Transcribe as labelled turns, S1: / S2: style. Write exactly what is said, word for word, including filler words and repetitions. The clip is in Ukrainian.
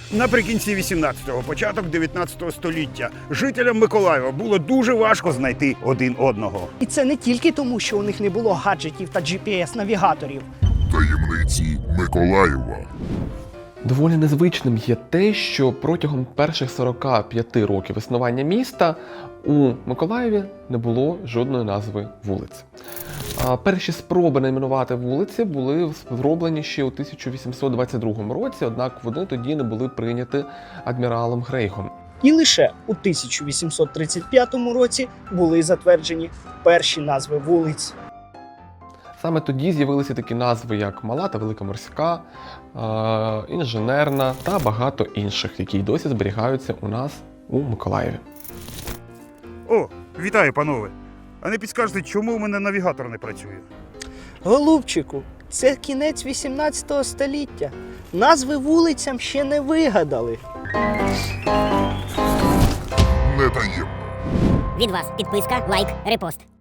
S1: Наприкінці вісімнадцятого, початок дев'ятнадцятого століття жителям Миколаєва було дуже важко знайти один одного.
S2: І це не тільки тому, що у них не було гаджетів та джі пі ес-навігаторів.
S3: Таємниці Миколаєва.
S4: Доволі незвичним є те, що протягом перших сорока п'яти років існування міста у Миколаєві не було жодної назви вулиць. А перші спроби найменувати вулиці були зроблені ще у тисяча вісімсот двадцять другому році, однак вони тоді не були прийняті адміралом Грейгом.
S2: І лише у тисяча вісімсот тридцять п'ятому році були затверджені перші назви вулиць.
S4: Саме тоді з'явилися такі назви, як Мала та Велика Морська, е, Інженерна та багато інших, які й досі зберігаються у нас у Миколаєві.
S1: О, вітаю, панове! А не підскажете, чому у мене навігатор не працює?
S2: Голубчику, це кінець вісімнадцятого століття. Назви вулицям ще не вигадали.
S3: Не таємно.
S5: Від вас підписка, лайк, репост.